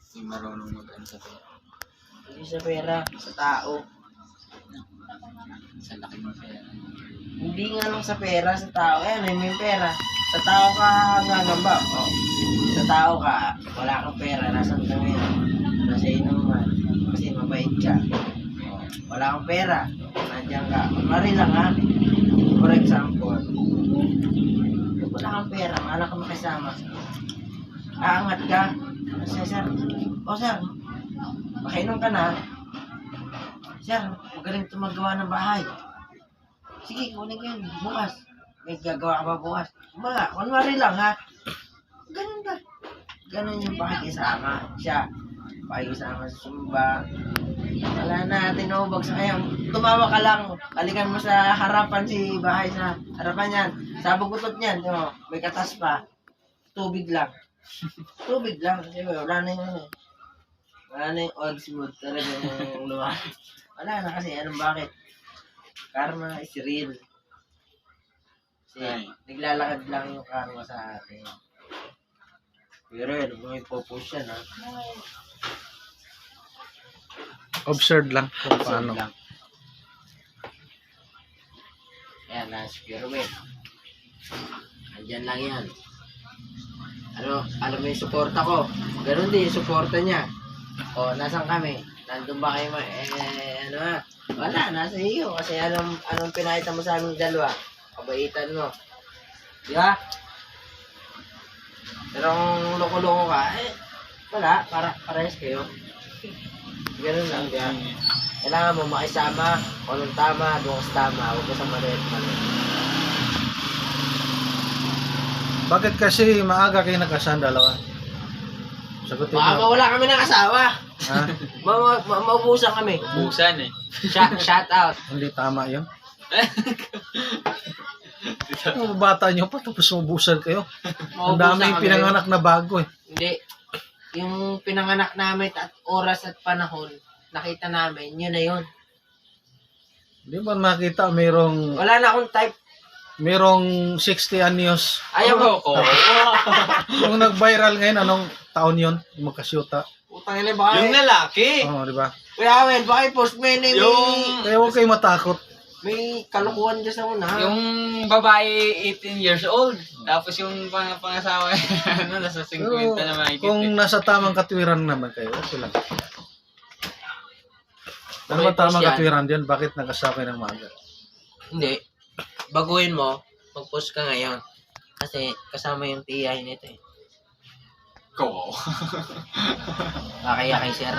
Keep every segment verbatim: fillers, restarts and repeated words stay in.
Hindi marunong mag-ano sa pera. Hindi sa pera, sa tao. Sa laki ng pera. Hindi nga lang sa pera, sa tao. Eh, may may pera. Sa tao ka gagamba. Oh. Sa tao ka, wala kang pera, nasan ka ngayon? Nasa inuman. Kasi mabait ka. Oh. Wala kang pera, nandiyan ka. Mari lang ha. For example, wala kang pera, wala kang makisama. Aangat ka. Sir, sir. O sir, makainom ka na. Sir, magaling ito magawa ng bahay. Sige, kunin ko yun. Bukas. May gagawa ka ba bukas? Mga, kunwari lang ha. Ganun ka. Ganun yung pakikisama. Siya, pakikisama sa sumba. Wala na, tinubag sa kaya. Tumawa ka lang. Balikan mo sa harapan si bahay sa harapan yan. Sabog utot niyan. Oh, may katas pa. Tubig lang. Tubig lang. Kasi wala na yung wala na yung odds mo talaga yung luwa. Wala na kasi. Anong bakit? Karma is real. Kasi Ay. naglalakad lang yung karma sa atin. Pero yun, kung may purpose yan ha. Observe lang kung paano. Lang. Ayan, nasa pyramid. Andyan lang yan. Ano, alam mo yung suporta ko. Ganun din yung suporta niya. O, nasan kami? Nandun ba kayo ma... Eh, ano ha? Wala, nasa iyo. Kasi anong, anong pinakita mo sa aming dalawa? Kabaitan mo. Di ba? Pero kung loko-loko ka, eh, wala. Para, parehas kayo. Ganun lang, di ba? Kailangan mo makisama. Kung anong tama, doon ka sa tama. Huwag ka sa maliit mali. Bakit kasi maaga kayo nagkasan dalawa? Sagutin Baka mo. mawala kami ng asawa. Ha? Ma ma ma maubusan kami. Busan eh. Shout, shout out. Hindi tama yun. Ang bata nyo pa, tapos ubusan kayo. Ang Maubusan daming kami. pinanganak na bago eh. Hindi. Yung pinanganak namin at oras at panahon, nakita namin, yun na yun. Hindi ba makita mayroong Wala na akong type. mayroong sixty anyos. Ayaw mo. ko. Yung nag-viral ngayon, anong taon yun? Yung magkasyuta. Utang ina baka. Yung lalaki. Oo, di ba? Kuya Awel, baka i-post mo yun eh, may, Yung- Kaya huwag kayo matakot. may kalukuhan dyan sa una. Yung babae eighteen years old. Tapos yung pang pangasawa ano nasa Pero fifty na mahigit. kung eh. nasa tamang katwiran naman kayo, okay lang. Ano ba Okay, tamang post yan. katwiran diyan? Bakit nagkasakay ng maaga? Hindi. Baguhin mo, mag-post ka ngayon. Kasi kasama yung tiyahin nito eh. Ko. Kakaya kay sir.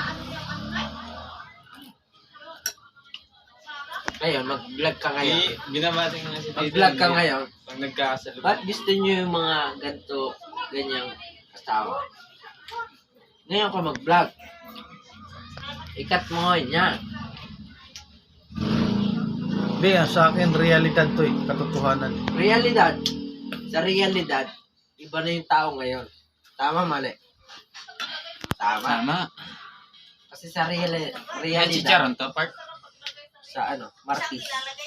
Ngayon, mag-vlog ka ngayon. Eh, binabati nga si Tito. Mag-vlog ka ngayon. Pag nagkakasalubong. Ba't gusto nyo yung mga ganito, ganyang asawa? Ngayon ka mag-vlog. Ikat mo ngayon yan. Hindi, ah, sa akin, realidad to eh. Katotohanan. Realidad. Sa realidad, iba na yung tao ngayon. Tama, mali? Tama. Tama. Kasi sa real, Yan si realidad, Charon to, part. sa ano, Martis.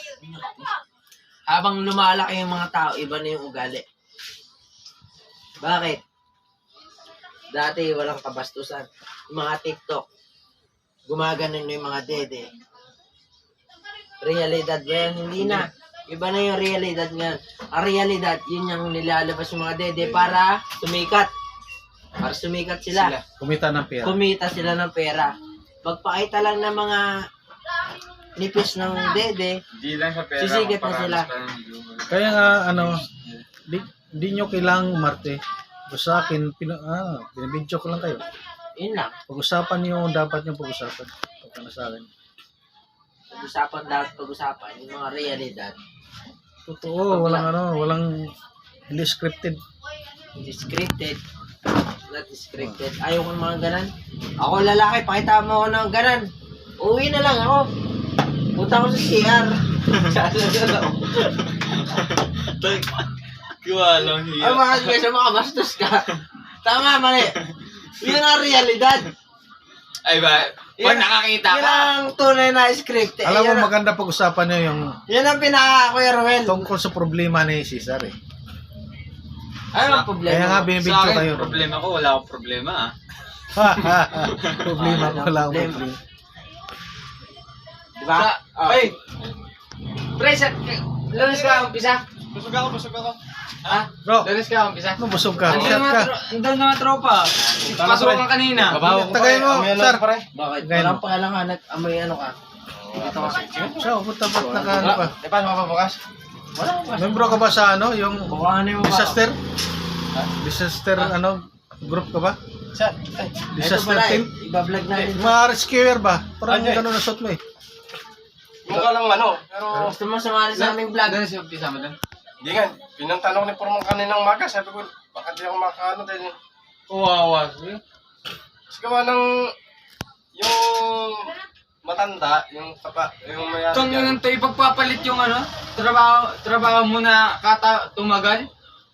Habang lumalaki yung mga tao, iba na yung ugali. Bakit? Dati walang kabastusan. Yung mga TikTok, gumaganon na yung mga dede. Realidad ba yan? Hindi na. Iba na yung realidad nga. Ang realidad, yun yung nilalabas yung mga dede para sumikat. Para sumikat sila. Sila. Kumita ng pera. Kumita sila ng pera. Magpakita lang ng mga nipis ng dede, Di lang sa pera. Sisigat na sila. Kaya nga, ano, di, di nyo kailangang umarte. O sa akin, pina, ah, binibidyo ko lang kayo. yun lang. Pag-usapan nyo, dapat nyo pag-usapan. Pagka na sa akin. Pag-usapan dapat pag-usapan yung mga realidad. Totoo, walang ano, walang hindi scripted. Hindi scripted. Not scripted. Ayaw ko ng mga ganan. Ako lalaki, pakita mo ako ng ganan. Uwi na lang ako. Punta ko sa C R. Sa ano Kiwalang Ay, bakit kasi makabastos ka? Tama, mali. Yun ang realidad. Ay ba? Pag nakakita Yun ka. ang tunay na scripted. Alam mo, Yan ang- maganda pag-usapan nyo yung Yan ang pinaka, Kuya Ruel. tungkol sa problema ni Cesar eh. Ano ang problema? Kaya nga, Sa binibidyo akin, kayo. problema ko, wala akong problema ah. Problema ko lang. Problema. Problema. Di ba? Sa- Oh. Ay! Pre, sa... Lunes ka umpisa? Busog ako, busog ako. Ha? Bro, Lunes ka umpisa? ano busog ka? Andun Shot na mga ka. tro- andun na mga tropa. Pasukan kanina. Babaw ko Tagay mo, Amoy ano sir. pare. Bakit? Ngayon. Walang pakalangan at amoy ano ka? Dito ka. Siya, punta ba't naka ano ka? Di pa ako bukas? Wala ka ba? Membro ka ba sa ano, yung Bukangan mo ba? disaster? Disaster ano, group ka ba? Saan? Ay, Ito Disaster pala eh. team? Ibablog natin. Mga rescuer ba? Parang Ano eh? gano'n na suot mo eh. mukha lang ano. Pero, Gusto mo sumali sa aming vlog? Lunes yung umpisa mo dun? hindi nga. Pinantanong ni Purmong kaninang maga. Sabi ko, baka di ako makaano dahil Kawawa. kasi gawa ng yung matanda, yung kapa, yung may ano Kung dyan. yun to ipagpapalit yung ano, trabaho, trabaho mo na kata tumagal.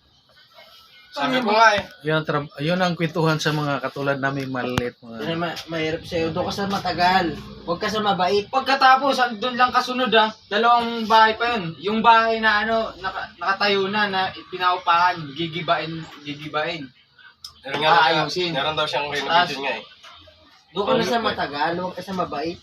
Sabi ko nga eh. Yun ang, tra- yun ang kwentuhan sa mga katulad namin maliit. Yan Mga... ma mahirap sa'yo. Doon ka sa matagal. Huwag ka sa mabait. Pagkatapos, doon lang kasunod ah, dalawang bahay pa yun. Yung bahay na ano, naka, nakatayo na, na pinaupahan, gigibain, gigibain. Meron nga daw siya- Aayusin. meron daw siyang renovation nga eh. Doon ka na sa matagal. Huwag ka sa mabait.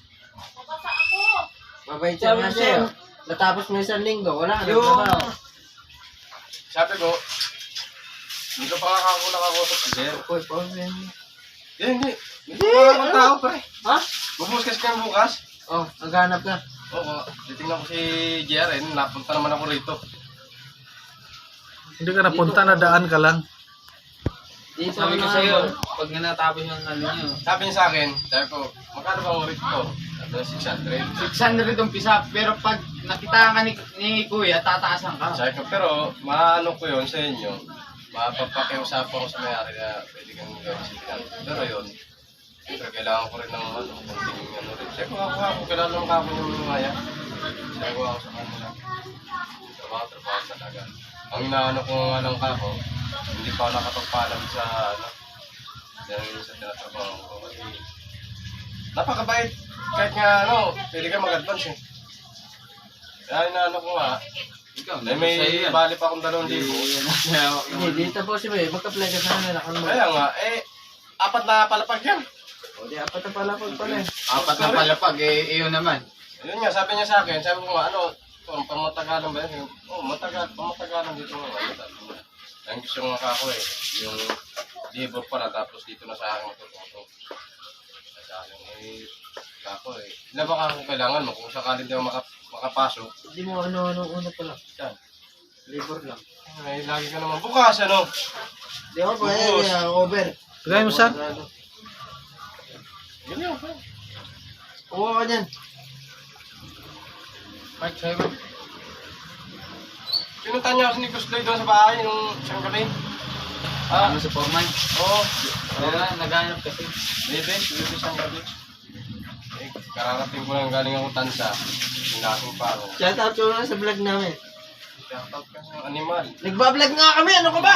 Mabait siya nga sa'yo. Natapos mo isang linggo. Wala ka na Yung- trabaho. Sabi ko, hindi ko pa kakakulang ako sa sir. Uy, problem. Hindi, hindi. Hindi ko pa akong tao pre. Ha? Bubus kasi kami bukas. Oh, naghanap ka. Oo, titingnan ko si J R N, napunta naman ako rito. Hindi ka napunta na daan ka lang. Dito Sabi ko na- sa'yo, pag nga natapos yung ano nyo, Sabi niya sa akin, sabi ko, magkano ba ang rate ko? Sabi niya, six hundred. six hundred umpisa, pero pag nakita ka ni, ni Kuya, tataasan ka. Sabi ko, pero maano ko yun sa inyo, mapapakiusapan ko sa may-ari na pwede kang gawin six hundred. Pero yun, siyempre kailangan ko rin ng ano, konting ano rin. Sabi ko, ako ako, kailangan lang ako yung maya. Sabi ko ako sa kanila. Trabaho, trabaho talaga. Ang inaano ko nga lang kako, hindi pa ako nakapagpaalam sa ano, dahil sa tinatrabaho ko. Kasi napakabait. Kahit nga ano, pwede ka mag-advance eh. Kaya inaano ko nga, Ikaw, eh, may bali pa akong dalawang libo. Hindi, dito po si May. Magka-play ka sana na kung Kaya nga, eh, apat na palapag yan. O, di apat na pala pag pala eh. Apat na palapag, eh, iyon naman. Yun nga, sabi niya sa akin, sabi ko nga, ano, kung pamatagalan ba yun? Oo, oh, matagal, pamatagalan dito nga. Ano, sabi niya. Ang gusto nga ako eh, yung labor pala, tapos dito na sa akin matututo. Sa akin, eh, ako eh. Ilan ba ako kailangan mo kung sakaling di ako maka- makapasok? Hindi mo ano-ano una pala. Yan. Labor lang. Ay, lagi ka naman bukas, ano? Di ako pa Ubus. eh, over. Tagay mo, sir. Ganyan, pa. Kuha ka dyan. Mark, sa'yo ba? Pinunta niya ako ni Gusloy doon sa bahay, nung siyang gabi. Ah, Ano sa foreman? oo. Wala, naghanap kasi. Bebe, bebe siyang gabi. Eh, kararating ko lang galing ako tansa. Hinaking pa ako. Shout out ko lang sa vlog namin. Shoutout ka sa animal. Nagbablog nga kami, ano ka ba?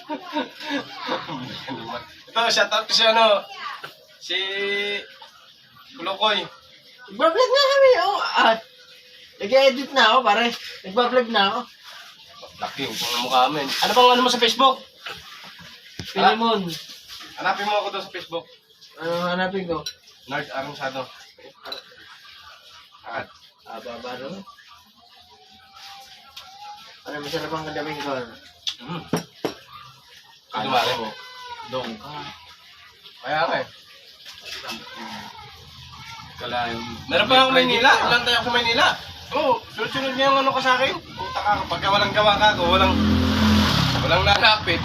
Animal. Ito, shoutout ko si ano, si Kulokoy. Nagbablog nga kami, oh. Ah, nag-edit na ako, pare. Nagbablog na ako. Laking kung ang mukha amin. Ano bang ano mo sa Facebook? Pilimon. Hanapin mo ako doon sa Facebook. Ano hanapin ko? Nerd Aronsado. At Ah, baba rin. Ano, masarap ang kadaming ko. mm. Dumali mo. Doon ka. Kaya nga eh. Kala yung... Meron pa ako Maynila. Ilan tayo ako Maynila. Oo, oh, sunod-sunod niya yung ano ka sa akin. Puta ka, pagka walang gawa ka ako, walang walang nalapit.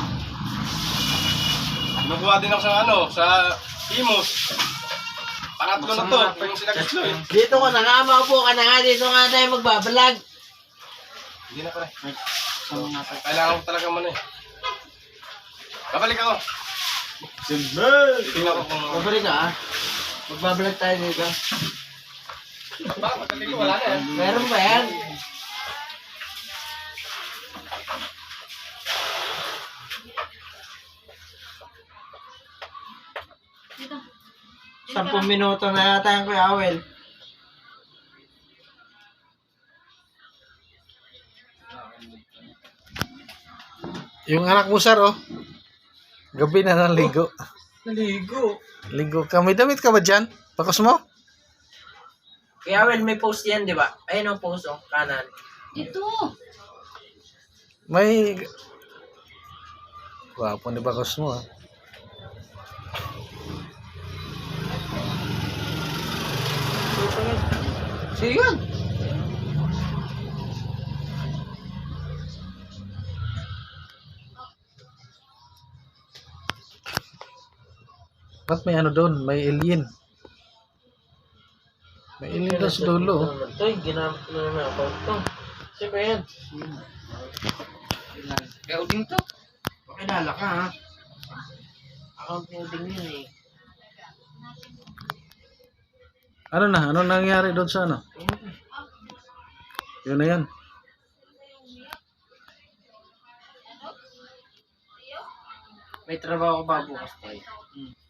Nakuha din ako sa ano, sa Imus. Pangatlo na to, yung sila gusto eh. Dito ko na nga, maupo ka na nga. Dito nga tayo magbablog. Hindi na pala. Sama nga pa. Kailangan ko talaga muna eh. Babalik ako. Tingnan ko kung... Babalik ka, ah. Magbablog tayo dito. Ba, pagdating ko wala na eh. Meron ba yan? Sampung minuto na yata yung Kuya Awel. Yung anak mo, sir, oh. Gabi na naligo. Naligo. Ligo ka. May damit ka ba dyan? Pakos mo? Kaya well, may post yan, di ba? Ayun ang post, oh, kanan. Ito. May... Wapo ni Pakos mo ah. Sige yun. Ba't may ano doon? May alien. May alien doon sa dulo. oh. Ito, ginamit na naman ako ito. Siyempre yan. Kaya uding to. Pakilala ka, ha? Accounting din yun, eh. Ano na? Ano nangyari doon sa ano? Yun na yan. May trabaho ka ba bukas tayo? Hmm.